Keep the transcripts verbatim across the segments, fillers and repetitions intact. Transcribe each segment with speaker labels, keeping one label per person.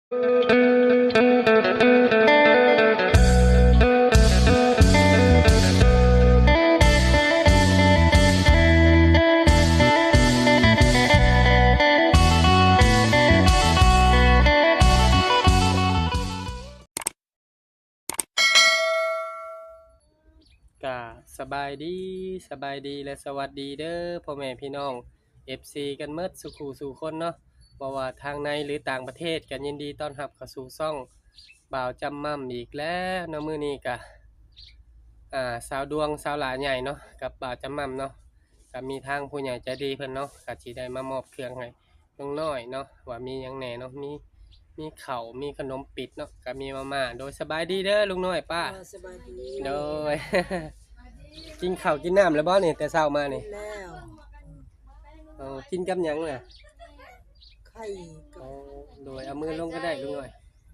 Speaker 1: กะสบายดีสบายดีและสวัสดีเด้อพ่อแม่พี่น้อง เอฟ ซี กันเมิดสุขูสู่คนเนาะบ่ว่าทางในหรือต่างประเทศกันยินดีต้อนรับเข้าสู่ช่องบ่าวจำม่ำอีกแล้วเนาะมื้อนี้กะอ่าสาวดวงสาวหลาใหญ่เนาะกับบ่าวจำม่ำเนาะก็มีทางผู้ใหญ่ใจดีเพิ่นเนาะก็สิได้มามอบเครื่องให้ลุงน้อยเนาะว่ามีหยังแหน่เนาะมีมีข้าวมีขนมปิดเนาะก็มีมาม่าโดยสบายดีเด้อลุงน้อยป้า
Speaker 2: เออสบายดี
Speaker 1: โดย กินข้าวกินน้ำแล้วบ่นี่แต่เช้ามานี่
Speaker 2: แล้ว
Speaker 1: เออกินกับหยังน่ะ
Speaker 2: ไข่กั
Speaker 1: อ๋
Speaker 2: บ
Speaker 1: อโดยเอามือลงก็ได้ลุงหน่อย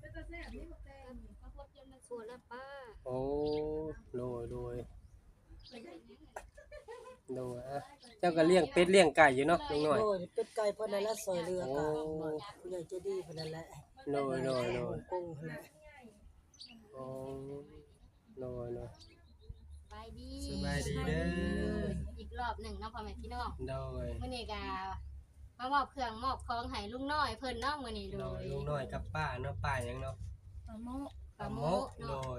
Speaker 3: ส่วนละป้า
Speaker 1: โอ้โดยโดยโดยอ่ะเจ้าก็เลี้ยงเป็ดเลี้ยงไก่อยู่เนาะลุงหน่อย
Speaker 2: โอ้ยเป็ดไก่เพิ่นนั่นแหละซอยเรือกะผู้ใหญ่ใจดีเพิ่นนั่นแหละ
Speaker 1: โดยโดยโดย
Speaker 2: กุ้งเพิ่นแหละ
Speaker 1: โอ้โดยโดย
Speaker 3: สบายดี
Speaker 1: สบายดีเด้อ
Speaker 3: อีกรอบหนึ่งเนาะพ่อแม่พี่น้อง
Speaker 1: โดย
Speaker 3: มื้อนี้ก็มามอบเครื่องมอบของให้ลุงน้อยเพิ่นเนาะมื้อนี้
Speaker 1: โด
Speaker 3: โด
Speaker 1: ย
Speaker 3: ย
Speaker 1: ลุงหน่อยกับป้าเนาะป้าหยังเนาะ
Speaker 3: ปลาโมก
Speaker 1: ปลาโมกโดย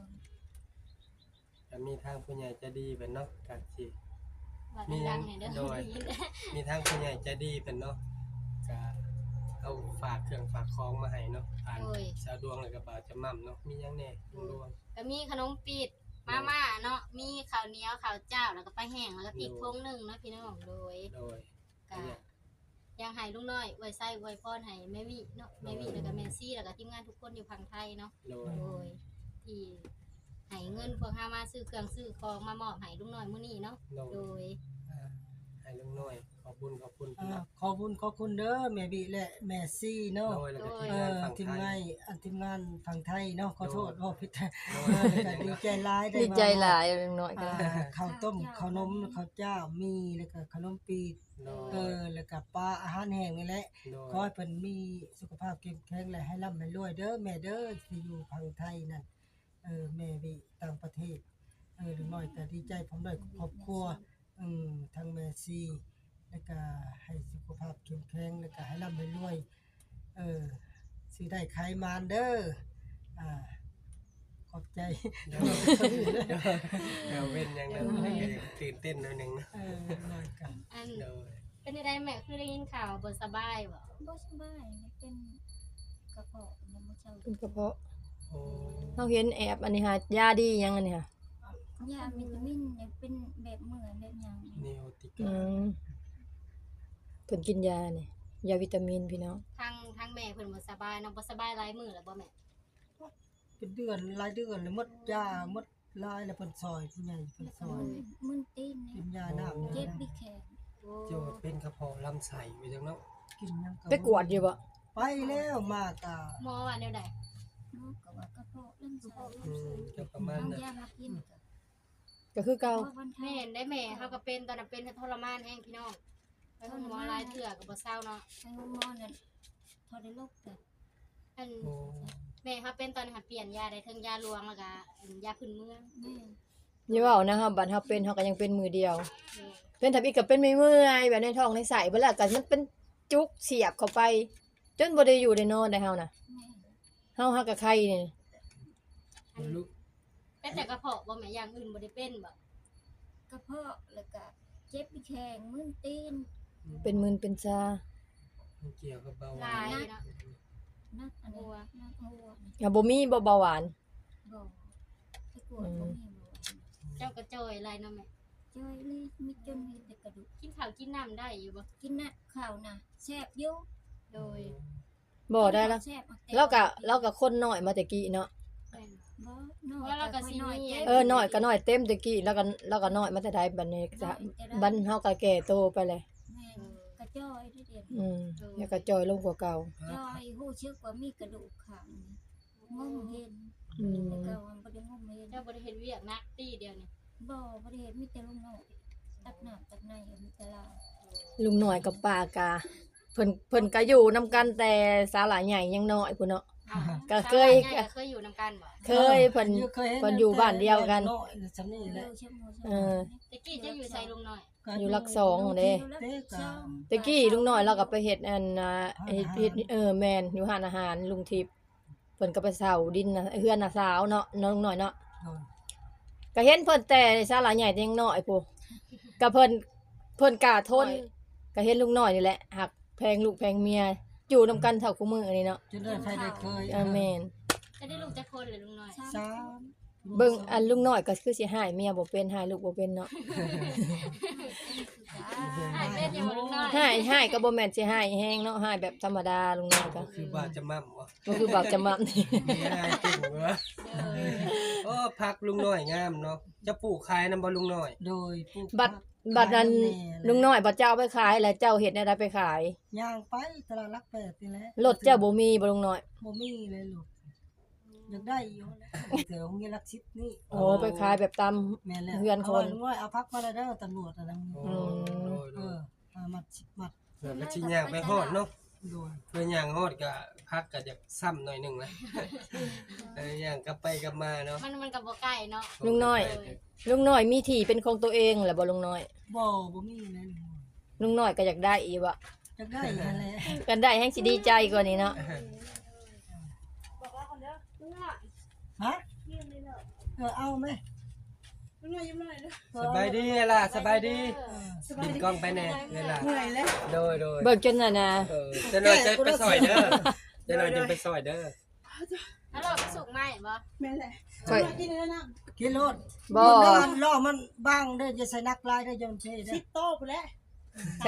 Speaker 1: จะมีทางผู้ใหญ่ใจดีเพิ่นเนาะก็สิ
Speaker 3: ว่า
Speaker 1: มี
Speaker 3: ดังๆเนี่ยเด้อ
Speaker 1: โดย มีทางผู้ใหญ่ใจดีเพิ่นเนาะก็เอาฝากเครื่องฝากของมาให้เนาะผ่านสาวดวงแล้วก็บ่าวจะม่ำเนาะมีหยังแหน่ลุงดวง
Speaker 3: ก็มีขนมปีดมาม่าเนาะมีข้าวเหนียวข้าวเจ้าแล้วก็ปลาแห้งแล้วก็พริกพงหนึงเนาะพี่น้องโดย
Speaker 1: โดย
Speaker 3: ก็ยังให้ลุงน้อยอวยไส้อวยพรให้แม่วิเนาะแม่วิแล้วก็แม่ซี่แล้วก็ทีมงานทุกคนอยู่ฝั่งไทยเนาะ
Speaker 1: โดย
Speaker 3: โดยที่ให้เงินพวกเฮามาซื้อเครื่องซื้อของมามอบให้ลุงน้อยมื้อนี้เนาะ
Speaker 1: โด
Speaker 3: โด
Speaker 1: ย
Speaker 3: ย
Speaker 1: อ่าให้ลุงน้อยขอบคุณขอบคุณ
Speaker 2: อ่า
Speaker 1: เนาะ
Speaker 2: ขอบคุณขอบคุณเด้อแม่บิและแม่ซี่เนาะ
Speaker 1: โดยแล้วก็ทีม
Speaker 2: เอง
Speaker 1: าน
Speaker 2: อ
Speaker 1: ฝั่ง
Speaker 2: ทีม
Speaker 1: ไท
Speaker 2: งาน
Speaker 1: ย
Speaker 2: อันทีมงานฝั่งไทยเนาะขอโทษว่าผิด
Speaker 1: โด
Speaker 2: เอย อแล้วก็ดีใจหลายได้
Speaker 4: ดี
Speaker 2: มา
Speaker 4: ใจหลายอย่างน้อยก็
Speaker 2: อ่าข้าวต้มข้าวนมข้าวเจ้ามีแล้วก็ขนมปีด
Speaker 1: โด
Speaker 2: เอย อแล้วก็ปลาอาหารแห้งนี่แหละ
Speaker 1: โด
Speaker 2: ขอย ให้เพิ่นมีสุขภาพเข้มแข็งและให้ร่ำให้รวยเด้อแม่เด้อที่อยู่พังไทยนั่นเออแม่วิต่างประเทศเออลุงน้อยก็ดีใจผมได้ครอบครัวอืมทั้งแม่ซีแล้วก็ให้สุขภาพเข้มแข็งแล้วก็ให้ร่ำให้รวยเออสิได้ขายมานเด้ออ่าขอบใจ
Speaker 1: โดยเดี๋ยวเว้นหยังนั้นตื่นเต้นหน่อยหนึงนะ
Speaker 2: เออน้อยกัน
Speaker 3: อัน
Speaker 1: โดย
Speaker 3: เป็นจังไดแม่คือได้ยินข่าวบ่สบายบ่
Speaker 5: บ่สบายมันเป็นกระเพาะมันบ่เจ้า
Speaker 4: เป็นกระเพาะ
Speaker 1: โอ้
Speaker 4: เฮาเห็นแอบอันนี้ค่ะยาดีหยังอันนี้ค่ะ
Speaker 5: ยาวิตามินเนี่ยเป็นแบบเหมือนแบบหยัง
Speaker 1: นิโอติ
Speaker 4: อื
Speaker 1: กาม
Speaker 4: เพิ่นกินยานี่ยาวิตามินพี่น้อง
Speaker 3: ทางทางแม่เพิ่นบ่สบายเนาะบ่สบายหลายมื้อแล้วบ่แม่
Speaker 2: เป็นเดือนหลายเดือนแล้วหมดยาหมดลายแล้วเพิ่นซอยผู้ใหญ่เพิ่นซอย
Speaker 5: มึนตีน
Speaker 2: กิ
Speaker 5: เนี่ย
Speaker 2: นยาน้ำ
Speaker 5: เจ็บ
Speaker 2: นะ
Speaker 5: บิแขน
Speaker 3: โอ้
Speaker 1: เจ้าเป็นกระเพาะลำไส้ไปจังเนาะ
Speaker 2: กินหยังก็
Speaker 4: ไปกวดอยู่บ่
Speaker 2: ไปแล้วมากะ
Speaker 3: หมอว่าแนวใด
Speaker 5: เนาะก็ว่ากระเพาะลำไส้
Speaker 1: อืมก็ประมาณ
Speaker 5: เอา
Speaker 1: นั้น
Speaker 5: ยามากินก็
Speaker 4: ก็คือเก่า
Speaker 5: เพราะวัน
Speaker 3: แม่
Speaker 5: ไทย
Speaker 3: เห็นได้แม่เฮาก็เป็นตอนนั้นเป็นทรมานแฮงพี่น้องไปหาหมอหลายเทื่อก็บ่เศร้าเนาะ
Speaker 5: ไปหาหมอเนี่ยพอได้โรคแต่
Speaker 3: อัน
Speaker 1: โอ้
Speaker 3: แม่เฮาเป็นตอนนั้นเปลี่ยนยาได้ทั้งยาหลวงแล้วก็อันยาพื้นเมือง
Speaker 5: แม่
Speaker 4: อย่าเว้านะฮะบัดเฮาเป็นเฮาก็ยังเป็นมือเดียว
Speaker 3: แม่
Speaker 4: เป็นทับอีกก็เป็นไม่เมื่อยแบบในท้องในไส้เบิดแล้วก็มันเป็นจุกเสียบเข้าไป จนบ่ได้อยู่ได้นอนได้เฮาน่ะ
Speaker 5: แม่
Speaker 4: เฮาฮักกับไข้นี่
Speaker 1: ลูก
Speaker 3: เป็นแต่กระเพาะบ่แม่อย่างอื่นบ่ได้เป็นบ่
Speaker 5: กระเพาะแล้วก็เจ็บบิแขนมึนตีน
Speaker 4: เป็นมึนเป็นซา
Speaker 1: มันเกี่ยวกับเบาห
Speaker 3: ห
Speaker 1: วา
Speaker 3: ลาย
Speaker 1: น
Speaker 3: เนาะ
Speaker 5: นักอันนี้นักหัวนี่
Speaker 4: อ่ะบ่มีบ่เบาหวาน
Speaker 5: บ่ไปกวดบ่มีบ่
Speaker 3: เจ้ากระจอยอะไรเนาะแม่
Speaker 5: จ้อยเลยมีจนมีแต่กระดูก
Speaker 3: กินข้าวกินน้ำได้อยู่บ่
Speaker 5: กินน่ะข้าวน่ะแซ่บอยู่
Speaker 3: โดย
Speaker 4: บ่ได้แล้ว
Speaker 5: แซ่บเอาแต่
Speaker 4: เราก็เราก็คนน้อยมาแต่กี้เนาะ
Speaker 3: แม่น
Speaker 5: บ่น้อย
Speaker 3: ว่าเราก็สิมี
Speaker 4: เออน้อยก็น้อยเต็มแต่กี้แล้วก็แล้วก็น้อยมาแต่ใดบัดนี้จะบัดเฮาก็แก่โตไปเลย
Speaker 5: แม่นกระจ้อยได้เดียว
Speaker 4: อืมแล้วก็จอยลงกว่าเก่า
Speaker 5: จ้อยหู้ชึกว่ามีกระดูกข้างนี่งมเห็น
Speaker 4: อืม
Speaker 5: แต่เก่ามันบ่ได้งมเห็น
Speaker 3: เจ้าบ่ได้เฮ็ดเวียกนักตีเดียวนี่
Speaker 5: บ่บ่ได้เห็นมีแต่ลุงน้อยตักน้ำตักในมีแต่ลาว
Speaker 4: ลุงน้อยกับป้ากาเพิ่นเพิ่นก็อยู่นํกันแต่สาหลาใหญ่ยังน้อยพุ่นเนาะ
Speaker 3: อ้าว
Speaker 4: ก็เคย
Speaker 3: สาวหลานใหญ่ก็เคยอยู่นำกันบ่
Speaker 4: เคยเพิ่น
Speaker 2: เคยห็
Speaker 4: เพิ่นอยู่บ้านเดียวกัน
Speaker 2: น้อยๆฉันนี่แหละ
Speaker 4: เออ
Speaker 3: ตะกี้จะอยู่ไสลุงน้อย
Speaker 4: อยู่หลักสองเด้
Speaker 2: เด็กก็
Speaker 4: ตะกี้ลุงน้อยเราก็ไปเฮ็ดอันน่ะเฮ็ดเฮ็ดเออแม่นอยู่ร้านอาหารลุงทิพย์เพิ่นก็ไปเซาดินน่ะเฮือนน่ะสาวเนาะน้องน้อยเนาะ
Speaker 2: โดย
Speaker 4: ก็เห็นเพิ่นแต่ศาลาใหญ่แต่ยังน้อยพูก็เพิ่นเพิ่นกล้าทนก็เห็นลุงน้อยนี่แหละหักแพงลูกแพงเมียอยู่นํกันเท่าคู่มือนี่เนาะ
Speaker 2: จนได้ใครได้เคย
Speaker 4: เออแม่น
Speaker 3: จะได้ลูกจักคนเลยลุงน้อย
Speaker 2: สาม
Speaker 4: เบิ่งอันลุงน้อยก็คือสิหายเมียบ่เป็นหายลูกบ่เป็นเนาะ
Speaker 3: หายเป็นอยู่บ่ลุงน้อย
Speaker 4: หายหายก็บ่แม่นสิหายแฮงเนาะหายแบบธรรมดาลุงน้อยก็
Speaker 1: คือว่าจะมั่มวะ
Speaker 4: บ่คือบอกจะมานี่
Speaker 1: มีอะไรเก่งวะโอ้พักลุงน้อยงามเนาะจะปลูกขายนำบ่ลุงน้อย
Speaker 2: โดยปลูก
Speaker 4: บัดบัดนั้นลุงน้อยบ่เจ้าไปขายแล้วเจ้าเฮ็ดแนวใดไปขาย
Speaker 2: ย่างไปตลาดรักแปดนี่แหละ
Speaker 4: รถเจ้าบ่มีบ่ลุงน้อย
Speaker 2: บ่มีเลยลูกอยากได้อยู่แล้วเดี๋ยวมีรักชิดนี่
Speaker 4: โอ้ไปขายแบบตาม
Speaker 2: แม่นแล้ว
Speaker 4: เฮือนคน
Speaker 2: าว่าลุงน้อยเอาพักมาแล้วเด้อตำรวจอะนะ
Speaker 1: โอ้ย
Speaker 2: เออเอามัดสิบมัด
Speaker 1: เดี๋ยวก็สิย่างไปฮอดเนาะ
Speaker 2: โดย
Speaker 1: เพื่อย่างฮอดก็พักก็จะซ้ำหน่อยหนึงนะเออย่างกลับไปกลับมาเนาะ
Speaker 3: มันมันก็บ่ใกล้เนาะ
Speaker 4: ลุงน้อย ลุงน้อยมีที่เป็นของตัวเองแหละบ่ลุงน้อย
Speaker 2: บ่บ่มีเลยลุงน้อย
Speaker 4: ลุงน้อยก็อยากได้อีกว่ะ
Speaker 2: อยากได้นั่นแหละ
Speaker 4: กันได้แฮงสิดีใจกว่านี้เนาะ
Speaker 2: ฮะเออเอาไหม
Speaker 1: สบายดีล่ะสบายดีปิดกล้องไปแน่เวลาโดยโดย
Speaker 4: เบิกจนน่ะนะ
Speaker 1: เออจะหน่อยจะไปซอยเด้อจะหน่อยจะไปซอยเด้อ
Speaker 3: แล้วเราไปสุกไหมบ่
Speaker 4: ค่อย
Speaker 2: กินรถ
Speaker 4: บ่
Speaker 2: รถล้อมันบ้างเด้อจะใส่นักลายเด้อจะมันเท่เด้อ
Speaker 4: ใช่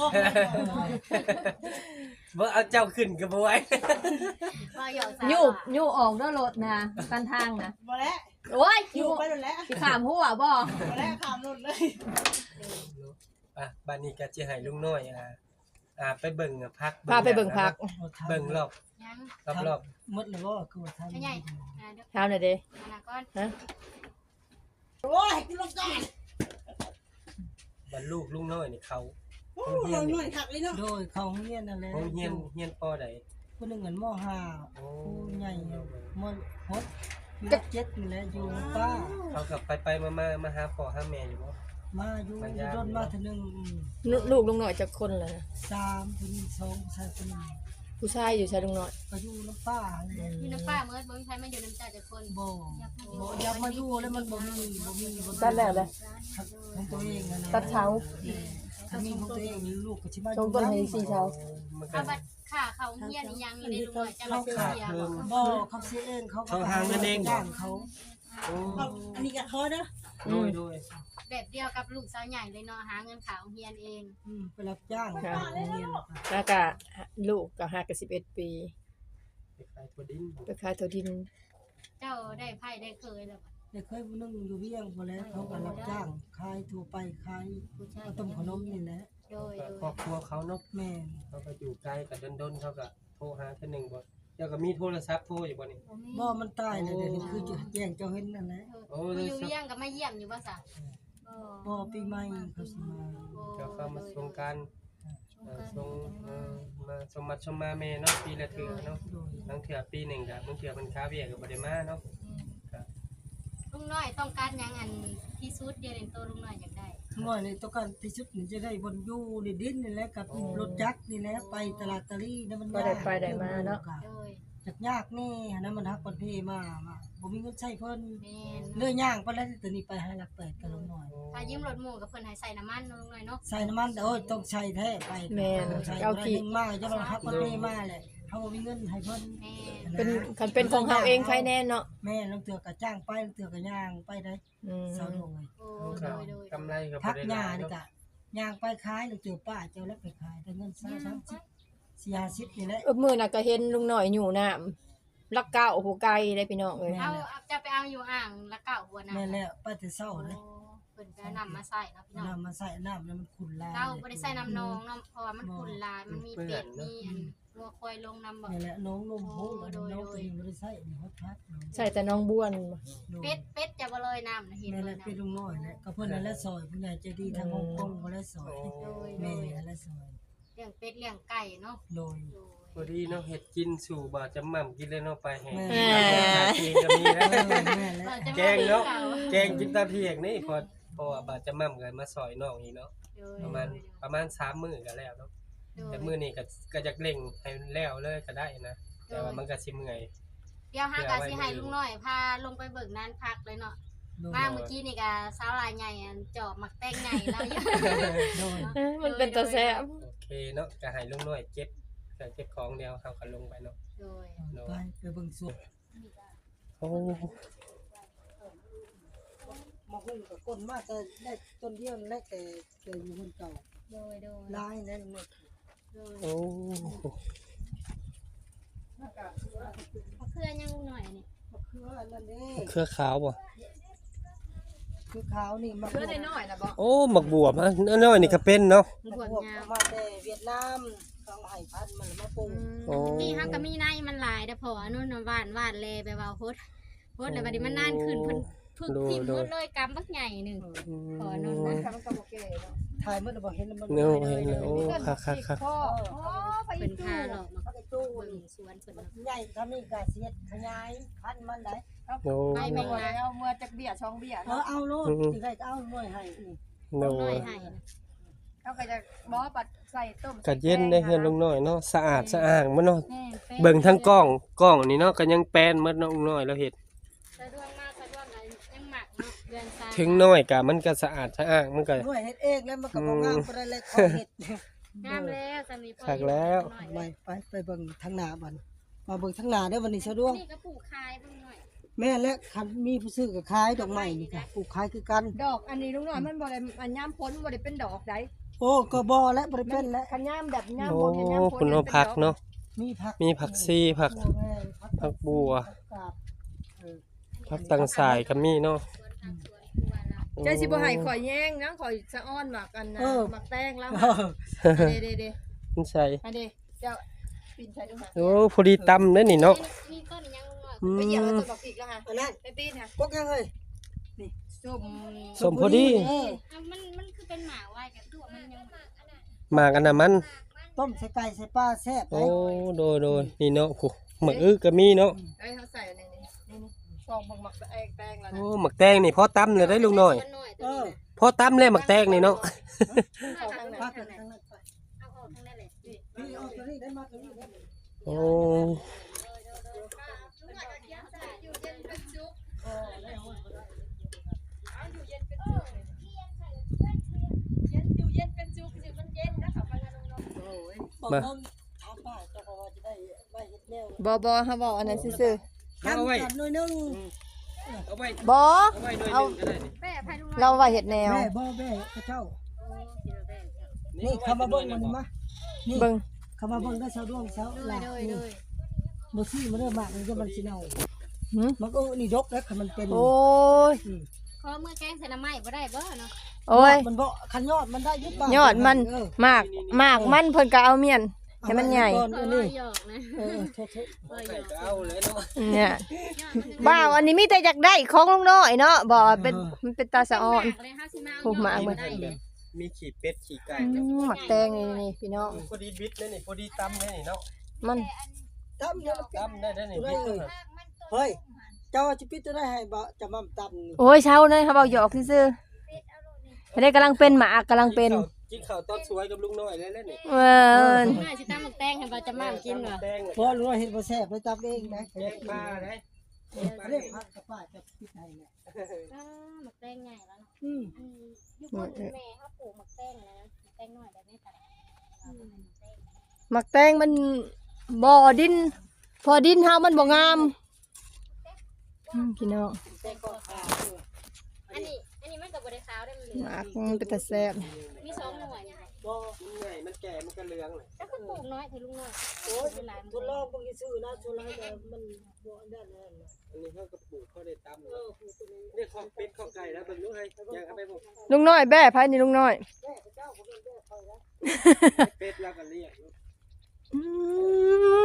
Speaker 1: บ่เอาเจ้าขึ้นก็บ่ไหว
Speaker 3: บ่หยอกสาว
Speaker 4: ยูบยูออกเด้อรถนะกันทางนะ
Speaker 6: บ่แล้ว
Speaker 4: โอ้ย
Speaker 6: อ
Speaker 4: ยู
Speaker 6: ยู่ไปหมดแล้ว
Speaker 4: สิขามหัวบ่
Speaker 6: บ่แล้วขามรถเลย
Speaker 1: อ่ะบัดนี้ก็สิให้ลุงน้อยอ่าอ่าไปเบิ่งพัก
Speaker 4: พาไปเบิ่งพัก
Speaker 1: เบิ่งรอบ
Speaker 3: ยัง
Speaker 1: รอบรอบ
Speaker 2: หมดแล้วบ่คือว่าทำ
Speaker 3: ไม่ใหญ่อ่าเดี๋ยว
Speaker 4: ถามหน่อยเด้
Speaker 3: อนาก่อน
Speaker 4: ฮะ
Speaker 6: โอ้ยกูลงก่อน
Speaker 1: บรรลูกลุงน้อยนี่เขา
Speaker 6: โอ้ยหน่อยขักเลยเนาะ
Speaker 2: โดยเขาเฮียนนั่นแหละ
Speaker 1: โรงเรียนเรียนปอใด
Speaker 2: ผู้หนึงเหมือนมห้า
Speaker 1: โอ้
Speaker 2: ผู้ใหญ่มหกมีเจ็ดนี่แหละอยู่ป้า
Speaker 1: เขากับไปไปมามามาหาพ่อหาแม่อยู่บ่
Speaker 2: มาอยู่อยู่รถมาเทีนึงอืม
Speaker 4: ลูลูกลุงน้อยจักคนล่ะนะ
Speaker 2: สามผู้หญิงสองผู้ชายคนหนึง
Speaker 4: ผู้ชายอยู่ใช่ลุงน้อย
Speaker 2: ก็อยู่น้ำป้าเลย
Speaker 3: อยู่น้ำป้าเมื่อบ่มีใครมาอยู่น้ำจ่าจักคน
Speaker 2: บ่บ่อยากมาอยู่แล้วมันบ่มีบ่มีบ่มี
Speaker 4: ตัดแล้วเลย
Speaker 2: ของตัวเองนะนะ
Speaker 4: ตัดเช้า
Speaker 2: ถ้ามีของตัวเองลูกก็สิมาอ
Speaker 4: ชง
Speaker 2: ยู่
Speaker 4: ต้นให้สี่เช้า
Speaker 1: มันก็
Speaker 3: เอาบัตรค่าเขาเฮียนอีหยังอยู่ในลุงน้อยจะมาซื้อเสียบ่
Speaker 2: บ่เขาเสียเองเขาก็จ้างเขา
Speaker 1: โอ้
Speaker 6: อันนี้ก็เขาเด้อ
Speaker 1: โดยโดย
Speaker 3: แบบเดียวกับลูกสาวใหญ่เลยเนาะหาเงินขาวเฮียนเอง
Speaker 2: อืมไปรับจ้างเขาเรียน
Speaker 4: แล้วก็ลูกก็ห้ากับสิบเอ็ดปี
Speaker 1: ไปขายถั่วดิน
Speaker 4: ไปขายถั่วดิน
Speaker 3: เจ้าได้ไพ่ได้เคยแล้วบ่
Speaker 2: ได้เคยผู้นึงอยู่เวียงพอแล้วเขาก็รับจ้างขายทั่วไปขายข้าวต้มขนมนี่แหละ
Speaker 3: โดย
Speaker 1: ก็
Speaker 3: โด
Speaker 1: ครอย บครัวเขาเนาะ
Speaker 2: แม่น
Speaker 1: เขาก็อยู่ไกลกับดนๆเขาก็โทรหาเทื่อหนึงบ่เจ้าก็มีโทรศัพท์โทรอยู่บ่นี่
Speaker 2: บ่มันตายเลยเดี๋ยวนี้คือจะแจ้งเจ้าเห็นนั่นแหละ
Speaker 1: โอ้
Speaker 3: ผู้
Speaker 1: เลย
Speaker 3: อยู่
Speaker 1: สัก
Speaker 3: เลี้ยงก็มาเยี่ยมอยู่บ่ซะ
Speaker 2: บ่ปีใหม่เขาสิมา
Speaker 1: เจ้าเข้ามาส่งการเอ่อส่งเอ่อมาสมมัติสมมาแม่เนาะปีละเทื่อเนาะ
Speaker 2: โดย
Speaker 1: บางเทื่อปีหนึงก็บางเทื่อมันค้าเวียกก็บ่ได้มาเนาะ
Speaker 3: ลุงน้อยต้องการหยังอันที่สุดเดียวในตัวลุงน้อยอยากได้
Speaker 2: น้อยนี่ต้องการที่สุดนี่จะได้บนอยู่ในดินนี่แหละกับรถจักรนี่แหละไปตลาดตะลี่นั่นมัน
Speaker 4: ก็ได้ไปได้มาเนาะ
Speaker 3: โดย
Speaker 2: จักยากนี่อันนั้นมันฮักประเทศมามาบ่มีเงินใช้เพิ่น
Speaker 3: แม่น
Speaker 2: เลื่อยย่างไปแล้วตัวนี้ไปให้หลักแปดกันลงหน่อย
Speaker 3: ถ้ายืมรถหมู่กับเพิ่นให้ใส่น้ำมันเนาะลุงน้อยเนาะ
Speaker 2: ใส่น้ำมันโอ้ยต้องใช้แท้ไป
Speaker 4: แม่น
Speaker 2: ต้องใช้
Speaker 4: เอา
Speaker 2: เอา
Speaker 4: ขี้
Speaker 2: ขี้มาจะมาฮักประเทศมาแหละเฮาบ่มีเงินให้เพิ่น
Speaker 3: แม่น
Speaker 4: เป็นคันเป็นของเฮาเองใครแน่เนาะ
Speaker 2: แม่ลางเทื่อก็จ้างไปลางเทื่อก็ย่างไปได้
Speaker 4: อืม
Speaker 2: เศร้าลงเลย
Speaker 3: โอ้
Speaker 1: ก็
Speaker 3: โดยโดย
Speaker 1: กำไรก็บ่
Speaker 2: พัก
Speaker 1: ได้
Speaker 2: ห
Speaker 1: ห
Speaker 2: ญ้า
Speaker 1: ลาย
Speaker 2: นี่
Speaker 1: เนาะ
Speaker 2: ก็ย่างไปขายลางเทื่อป้าเจ้าแล้วไปขายได้เงินสามสามสิบสี่ห้าสิบนี่แหละ
Speaker 4: เออมื้อน่ะก็เห็นลุงน้อยอยู่น้ำลักเก้าโอ้โหไกลได้พี่น้องเอ้ย
Speaker 3: เอาเอาจะไปเอาอยู่อ่างละเก่าหัวน่ะ
Speaker 2: แม่นแล้วไปแต่เช้า
Speaker 3: โอ้
Speaker 2: เลย
Speaker 3: เพิ่นก็นำมาใส่เนาะพี่น้อง
Speaker 2: น้ำมาใส่น้ำแล้วมันขุ่นลาย
Speaker 3: เราบ่ได้ใส่น้ำนองเนาะเพราะว่ามันขุ่นลายมันมีเป็ดมีอันงัวควายลงน้ำบ่
Speaker 2: นี่แหละน้องนมโหงน้องตัวเองบ่ได้ใส่นี่ฮอดพัก
Speaker 4: ใส่แต่น้องบ้วน
Speaker 3: เป็ดเป็ดจะบ่เลยน้ำนะเห็น
Speaker 2: นี่แห
Speaker 3: เล
Speaker 2: ละ
Speaker 3: ยนะ
Speaker 2: เป็นลุงน้อยแหละก็เพิ่นนั่นแหละซอยผู้ใหญ่ใจดีทางฮ่องกงบ่ได้ซอย
Speaker 1: โอ้
Speaker 3: โดยโด
Speaker 2: แม่
Speaker 3: ย
Speaker 2: นั่นแหละซอย
Speaker 3: เป็ลี้ยงเป็ดเลี้ยงไก่เนาะ
Speaker 2: โดย
Speaker 3: โดย
Speaker 1: พอดีเนาะเฮ็ดกินสู่บ่จะหม่ำกินเลยเนาะไปแห้ง
Speaker 2: แม่
Speaker 1: กินก็มีนะ
Speaker 2: แม่และ
Speaker 3: ว่าจะ
Speaker 1: แกงเนาะ
Speaker 3: ม
Speaker 1: แกงกินตาเที่ยงนี่พอเพราะว่าบาดจะหม่ำกันมาซอยน้องอีกเนาะ
Speaker 3: โดย
Speaker 1: ประมาณประมาณสามมื้อก็แล้วเนาะ
Speaker 3: โดย
Speaker 1: แต่มื้อนี้ก็ก็จะเร่งให้แล้วเลยก็ได้นะแต่ว่ามันก็สิเมื่อย
Speaker 3: เดี๋ยวหากะสิให้ลุงน้อยพาลงไปเบิกนานพักเลยเนาะ
Speaker 2: โดย
Speaker 3: มาเมื่อกี้นี่ก็สาวลายใหญ่อันจอบหมักแป้งใหญ่แล้วอยู่
Speaker 2: โดย
Speaker 4: เอ้ยมันเป็นตัวแซ่บ
Speaker 1: โอเคเนาะก็ให้ลุงน้อยเก็บก็เก็บของเดียวเฮาก็ลงไปเนาะ
Speaker 3: โดย
Speaker 2: ไปไปเบิ่งสวน
Speaker 1: โอ้
Speaker 2: มาหุ้มกับก้นมาแต่ได้ต้นเดียวแรกแต่แต่อยู่คนเก่า
Speaker 3: โดยโดย
Speaker 2: ลายนั่นหมด
Speaker 3: โดย
Speaker 1: โอ้
Speaker 3: มะเขือยังลุงน้อยนี่
Speaker 2: มะเขืออันนั่นเด้
Speaker 1: เครือขาวบ่
Speaker 2: คือขาวนี่มะ
Speaker 4: เพื่อได้น้อยนะบ่
Speaker 1: โอ้หมักบวบฮะน้อยๆนี่ก็เป็นเนาะ
Speaker 3: มันบวมยาว
Speaker 2: มาแต่เวียดนามเขาให้พันธุ์มันมาปลูก
Speaker 1: โอ้
Speaker 3: นี่ฮักก็มีในมันหลายแต่พออันนู้นน่ะหวานหวานแลไปว่าโพดโพดแล้วบัดนี้มันนานขึ้นเพิ่นพึกทิ่มหมดเลยกำบักใหญ่หนึงพออันนู้นนะ
Speaker 4: มันก็บ่เก๋เนาะ
Speaker 2: ถ่ายมันบ่เห็นมัน
Speaker 1: เนาะเห็นแล้วโอ้คักๆๆ
Speaker 4: พ่อโอ้ไป
Speaker 3: เพิ่น
Speaker 4: จู
Speaker 3: พาหลอกมา
Speaker 2: เขาไปตู้
Speaker 3: เบิ่งสวนเพิ่นเนาะ
Speaker 2: ใหญ่ทำนี่ก็เสียดขยายพันธุ์มันได้
Speaker 1: โอ้
Speaker 3: ไปแม่งนะ
Speaker 4: เอาเมื่อจักเบี้ยช่องเบี้ย
Speaker 2: เออ
Speaker 4: เนาะ
Speaker 2: เอาโลดสิได้ก็เอาหน่วยให้นี่
Speaker 1: โน
Speaker 3: ลุงน้อยให้นะ
Speaker 4: เขาก็จะบ่ปัดใส่ต้ม
Speaker 1: ก็เย็นได้เฮือนลุงน้อยเนาะสะอาดสะอ้างมันเนาะ
Speaker 3: แม่แป้
Speaker 1: เบิ่งทั้งกล้องกล้องนี่เนาะก็ยังแป้นหมดเนาะลุงน้อยแล้วเฮ็ด
Speaker 3: สะดวกมากสะดวกเลยยังหมักเนาะเดือนซา
Speaker 1: ถึงน้อยก็มันก็สะอาดสะอ้างมันก็
Speaker 2: หน่วยเฮ็ดเองแล้วมันก็บ่งามปานใดเลยขอเฮ็ด
Speaker 3: งามแล้วสามีพ่อ
Speaker 1: คักแล้ว
Speaker 2: ไปไปไปเบิ่งทางหน้าบัดมาเบิ่งทางหน้าเด้อวันนี้สะดวก
Speaker 3: นี่ก็ปลูกคายเบิ่งหน่อย
Speaker 2: แม่และคันมีผู้ซื้อก็ขายดอกไม้นี่ก็ปลูกขายคือกัน
Speaker 4: ดอกอันนี้ลุงน้อยมันบ่ได้อันย่ามพ้นบ่ได้เป็นดอกใด
Speaker 2: โอ้ก็บ่และบ่ได้เป็นและ
Speaker 4: คันย่ามแบบย่าม
Speaker 1: โอ้
Speaker 4: บ่เห็นย่ามพ้น
Speaker 1: คุณเอาผักเนาะ
Speaker 2: มีผัก
Speaker 1: มีผักซีผัก
Speaker 2: บัวแห้ง
Speaker 1: ผักบัว
Speaker 2: ผักกาดเออ
Speaker 1: ผักตังสายก็มีเนาะ
Speaker 3: สวนผักสวนครัวเรา
Speaker 4: ใจสิบ่ให้ข่อยแย่งนะข่อยสะอ้อนหมักอันนะหมักแป้งแล้ว
Speaker 2: เออ
Speaker 4: เด้เด้
Speaker 1: มันใส่
Speaker 4: อันนี้เจ้าปีนใช้ดูค่ะ
Speaker 1: โอ้พอดีตำเด้อนี่เนาะ
Speaker 3: นี่ต้นยังลุงหน่อย
Speaker 1: อื
Speaker 4: ไปเหยียบแล้ว
Speaker 1: ม
Speaker 4: ตัวบอกอีกแล้วค่ะ
Speaker 2: อันนั้น
Speaker 4: ไปตีนค่ะ
Speaker 2: พวกยังเอ้ย
Speaker 4: ส้ม
Speaker 1: สมพอดี
Speaker 2: เออ
Speaker 3: อ่ะมันมันคือเป็นหมาไว้กับตัวมันยัง
Speaker 1: หมากอันน่ะมัน
Speaker 2: ต้มใส่ไก่ใส่ปลาแซ่บเล
Speaker 1: โอ้
Speaker 2: ย
Speaker 1: โดยโดยนี่เนาะโอ้หมึกอึก็มีเนาะ
Speaker 4: ไอ้เขาใส่อันนี้นี่นี่นี่ซองหมักหมักแป้งแป้งแล้ว
Speaker 1: โอ้
Speaker 4: นะ
Speaker 1: หมักแตงนี่พอตำเลยได้ลุงน้อย
Speaker 2: เออ
Speaker 1: พอตำเลยหมักแตงนี่เนาะ
Speaker 3: เอาทางไหน
Speaker 2: ปลา
Speaker 3: ทาง
Speaker 2: เป็น
Speaker 3: ไหน
Speaker 2: ทางนั้นไป
Speaker 3: เอาออกทางนั้นเลย
Speaker 2: พี่เอาตัวนี้ได้มาตัวนี้ได้
Speaker 1: โอ้
Speaker 3: อยู่เย็นเป็นสุข
Speaker 2: บอกว่าถามป้าเจะพอจะได้ไว้เฮ็ดแนว
Speaker 4: บอบอเขาบอกอันนั้นซื่อ
Speaker 2: ทำกันหน่อยนึง
Speaker 1: เอาไว้
Speaker 4: ๆบอ
Speaker 1: เอาไว้หน่อยหนึงก็ได้นี่
Speaker 3: แม่พายลุง
Speaker 4: เราว่าเห็ดแนว
Speaker 2: แม่บ่แม่พระเจ้า นี่เข้ามาเบิ่งมันมานี่
Speaker 4: เบิ่ง
Speaker 2: เข้ามาเบิ่งได้เสาดวงเสา
Speaker 3: โด
Speaker 2: ห
Speaker 3: ย
Speaker 2: ลา
Speaker 3: โดยโดย
Speaker 2: บ่ซี่มันเริ่มมากมันจะมันสิเน่า
Speaker 4: หืม
Speaker 2: มันก็นี่ดกแล้วคันมันเป็น
Speaker 4: โอ้ย
Speaker 3: ขอมือแกงใส่น้ำไม้บ่ได้บ่เนาะ
Speaker 4: โอ้ย
Speaker 2: มันบ่คันยอดมันได้ยึดบ้าง
Speaker 4: ยอดมัน
Speaker 2: เออ
Speaker 4: มากมากมันเพิ่นก็เอาเมียนให้มันใหญ่
Speaker 2: ก่อน
Speaker 3: เอ
Speaker 2: อัน
Speaker 3: อ
Speaker 2: นี้
Speaker 3: หยอกนะ
Speaker 2: เออโทษ
Speaker 3: เออห
Speaker 1: ใส่
Speaker 3: ยอก
Speaker 1: ก็เอาเลยเนาะ
Speaker 4: เนี่ย
Speaker 3: ยอดมัน
Speaker 4: บ้าวอันนี้มีแต่อยากได้ของลุงน้อยเนาะบ่เป็นมันเป็นตาสะอ่อน
Speaker 3: เลยห้าสิบมา
Speaker 4: โอ้หมา
Speaker 3: บ่
Speaker 4: เบิ่ง
Speaker 3: ได้เลย
Speaker 1: มีขี่เป็ดขี่ไก่
Speaker 4: อืมหมักแตงนี่นี่พี่น้อง
Speaker 1: พอดีบิดเลยนี่พอดีตำเลยนี่เนาะ
Speaker 4: มัน
Speaker 2: ๆตำเนี่ยมันเป็น
Speaker 1: ตำได้ได้นี่บิดเลย
Speaker 2: เฮ้ยเจ้าจะปิดตัวได้ให้บ่จะมาตำนี่
Speaker 4: โอ้ยเช้าเลยเขาบอกหยอกซื่อๆไม่ได้กำลังเป็นหมากกำลังเป็น
Speaker 1: กินข้าวตอนสวยกับลุงน้อยเลยแล้วนี่
Speaker 4: เออ
Speaker 3: แม่สิตำหมึกแตงให้บ่จะมากินเหรอ
Speaker 1: แตงเลย
Speaker 2: พอรู้ว่าเฮ็ดบ่แซ่บเลยตำเองนะ
Speaker 1: แกงปลาเลย
Speaker 2: เรียกพักกับป้าจะปิดให้เนี่ย
Speaker 3: อ่าหมึกแตงใหญ่แล้วเนาะ
Speaker 2: อืม
Speaker 3: อันนี้ยุคคนแม่เขาปลูกหมึกแตงนะหมึกแตงน้อยแบบนี้แต่อืม
Speaker 4: หมักแตงมันบ่อดิน พอดินเฮามันบ่งามอืมพี่น้อง
Speaker 2: แต่ก็ขาวอยู่
Speaker 3: อันนี้อันนี้มันก็บ่ได้ขาวได้มันเหลื
Speaker 4: ห
Speaker 3: อง
Speaker 4: มากมันเป็นตาแซ่บ
Speaker 3: มีสองหน่วยนี่ค่ะ
Speaker 2: บ่
Speaker 1: มันใหญ่มันแก่มันก็เหลืองเลย
Speaker 3: แล้วก็ปลูกน้อยเถอะลุงน้อย
Speaker 2: โอ้ย
Speaker 3: เวลา
Speaker 2: ทดลองเบิ่งซื่อๆนะทดลองแต่มันบ่อันนั้นนั่นน่ะ
Speaker 1: อันนี้เขาก็ปลูกเขาได้ตำ
Speaker 2: เออผู้ตัวนี้
Speaker 1: เนี่ยของเป็ดของไก่แล้วเบิ่งดูให้ยังเอาไปปลูก
Speaker 4: ลุงน้อยแบ่ไผนี่ลุงน้อย
Speaker 2: แม่พระเจ้าบ่เป็นแม่คอยนะ
Speaker 1: เป็ดแล้วก็เลี้ยง
Speaker 4: อืม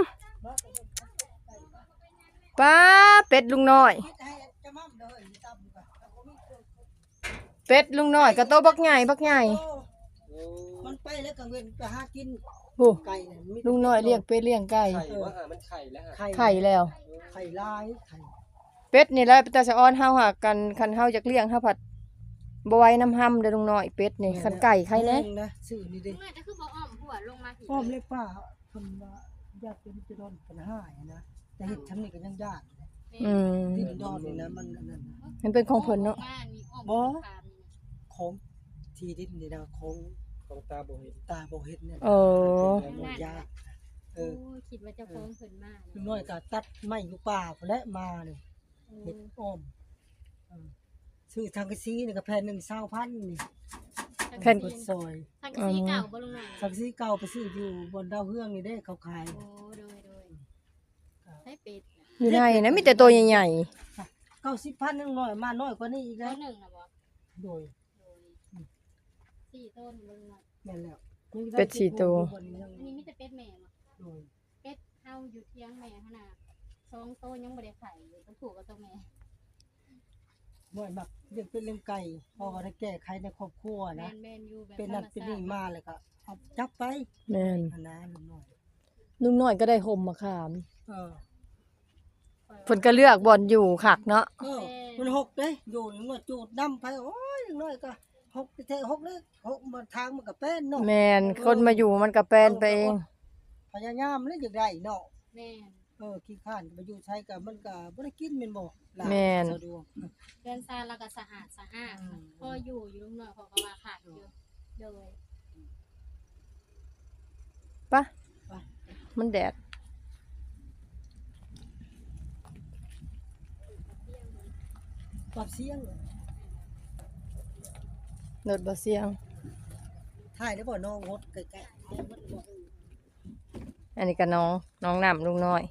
Speaker 4: ป้าเป็ดลุงน้อย
Speaker 2: คิดให้จะมั่มเด้ออีตำก็บ่มีคน
Speaker 4: เป็ดลุงน้อยก็โตบักใหญ่บักใหญ่
Speaker 2: โอ้
Speaker 1: โอ้
Speaker 2: มันไปแล้วกลางเว้นไปหากิน
Speaker 4: โอ้
Speaker 2: ไก่เนี่ยมีแต่
Speaker 4: ลุงน้อยเลี้ยงเป็ดเลี้ยงไก่
Speaker 1: ไข่ว่าหามันไข่แล้วฮะ
Speaker 2: ไข่
Speaker 4: ไข่แล้ว
Speaker 2: ไข่ลายไข่
Speaker 4: เป็ดนี่แหละแต่สะอ้อนเฮาหากันคันเฮาอยากเลี้ยงเฮาผัดบ่ไหว้น้ำห้ำเด้อลุงน้อยเป็ดนี่คันไก่ไข่แน่
Speaker 2: แม่งนะซื้อนี่เด้
Speaker 3: เมื่อจะคือบ่อ้อมหัวลงมาผิด
Speaker 2: อ้อมเลยป้าเพิ่นว่าญาติเป็นจะโดนปัญหาอย่างนะแต่เฮ็ดทำนี่ก็ยังยากเลย
Speaker 4: อืม
Speaker 2: ที่ดอนนี่นะมันอันนั้นนะ
Speaker 4: มันเป็นของเพิ่นเนาะ
Speaker 3: บ้านมีอ้อม
Speaker 2: บ่
Speaker 3: คามนี่
Speaker 2: ของที่ดินนี่นะของ
Speaker 1: ของตาบ่เห็น
Speaker 2: ตาบ่เฮ็ดเนี่ย
Speaker 4: เออ
Speaker 2: มันยากเอ
Speaker 3: โอ้
Speaker 2: อ
Speaker 3: คิดว่าเจะฟ้าของเพิ่นมา
Speaker 2: ลุงน้อยก็ตัดไม้อยู่ป่าพุ่นแหละมานี่เฮ็ดอ้อมเออซื้อทางกะซีนี่ก็แผ่นหนึ่งเศร้าพันนี่
Speaker 4: แผ่น
Speaker 2: กดซอย
Speaker 3: ทางกะสีเก่าบ่ลงมา
Speaker 2: ทางกะซีเก่าไปซื้ออยู่บนดาวเฮืองนี่เด้เขาขาย
Speaker 3: โอ้โดยโดยให้เป็ดน่ะ
Speaker 4: อยู่ในนะมีแต่ตัวใหญ่
Speaker 2: เก้าสิบพันนึงน้อยมาน้อยกว่านี้อีก
Speaker 3: ต้
Speaker 2: นะ
Speaker 3: นหนึ่งนะบ่
Speaker 2: โดย
Speaker 3: โดยสี่ต้นลงมา
Speaker 2: แม่นแล้ว
Speaker 4: ๆเป็ดสี่ตัว
Speaker 3: อันนี้มีแต่เป็ดแม่บ่
Speaker 2: โดย
Speaker 3: เป็ดเฮาอยู่เที่ยงแม่ขนาดสองโตยังบ่ได้ไข่อยู่ต้องผูกกับตัวแม่
Speaker 2: บ่อยมักเลี้ยงเป็ดเลี้ยงไก่พอได้แก้ไขในครอบครัว
Speaker 3: แม่
Speaker 2: นะ
Speaker 3: นแม่นอยู่แบบ
Speaker 2: เป็นนั่นเป็นนี่มาเลยก็เอาจับไป
Speaker 4: แม่น
Speaker 2: อันนั้นลุงน้อย
Speaker 4: ลุงน้อยก็ได้ห่มมาขาม
Speaker 2: เออ
Speaker 4: เพิ่นก็เลือกบ่อนอยู่คักเนาะ
Speaker 2: เออมันหกเด้อยู่ลุงน้อยจูดดำไปโอ้ยลุงน้อยก็หกแท้ๆหกเลยหกมาทางมันก็เป็นเนาะ
Speaker 4: แม่นคนมาอยู่มันก็แปลนไปเอง
Speaker 2: พยายามเลยอยากได้เนาะ
Speaker 3: แม่น
Speaker 2: เออขี้ข้านก็ไปอยู่ใช้กับมันก็บ่ได้กินแม่นบ่ล่ะ
Speaker 4: แม่น
Speaker 2: สะดวก
Speaker 3: เรือนซานแล้วก็สะอาดสะอาด
Speaker 2: อืม
Speaker 3: พออยู่อยู่ลุงน้อยเขาก็ว่าขาดอยู่โดย
Speaker 4: ปะมันแดด
Speaker 2: ปรับเสียง
Speaker 4: รถบ่เสียง
Speaker 2: ถ่ายได้บ่น้องงดใกล้ๆ
Speaker 4: อันนี้ก็น้องน้องน้ำลุงน้อย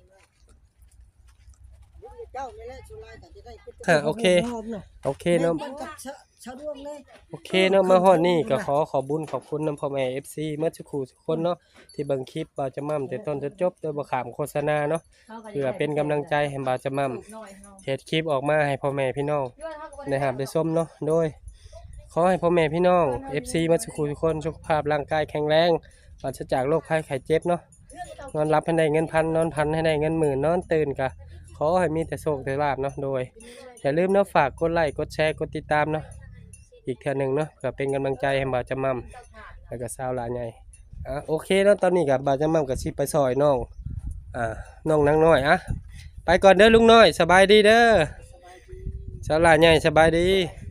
Speaker 2: เจ้านี่แหละสุรายก็จะได้เป็น
Speaker 1: อ่ะโอเค
Speaker 2: หอมๆเนาะ
Speaker 1: โอเคเนาะ
Speaker 2: แม่นกับชะชะดวงเลย
Speaker 1: โอเคเนาะมาฮอดนี่ก็ขอขอบุญขอบคุณนำพ่อแม่ เอฟ ซี เมื่อสักครู่ทุกคนเนาะที่เบิ่งคลิปบ่าวจะม่ำแต่ต้นจนจบโดยบ่ขามโฆษณาเนาะเพื่อเป็นกำลังใจให้บ่าวจะม่ำเฮ็ดคลิปออกมาให้พ่อแม่พี่น้องได้รับได้ชมเนาะโดยขอให้พ่อแม่พี่น้อง เอฟ ซี เมื่อสักครู่ทุกคนสุขภาพร่างกายแข็งแรงปราศจากโรคภัยไข้เจ็บเนาะนอนหลับให้ได้เงินพันนอนพันให้ได้เงินหมื่นนอนตื่นก็ขอให้มีแต่โชคแต่ลาภเนาะโดยอย่าลืมเนาะฝากกดไลค์กดแชร์กดติดตามเนาะอีกเทื่อหนึงเนาะเพื่อเป็นกำลังใจให้บ่าวจะม่ำแล้วก็สาวหลานใหญ่อ่ะโอเคเนาะตอนนี้ก็บ่าวจะม่ำก็สิไปซอยน้องอ่าน้องนางน้อยอ่ะไปก่อนเด้อลุงน้อยสบายดีเด้อสาวหลานใหญ่สบายดี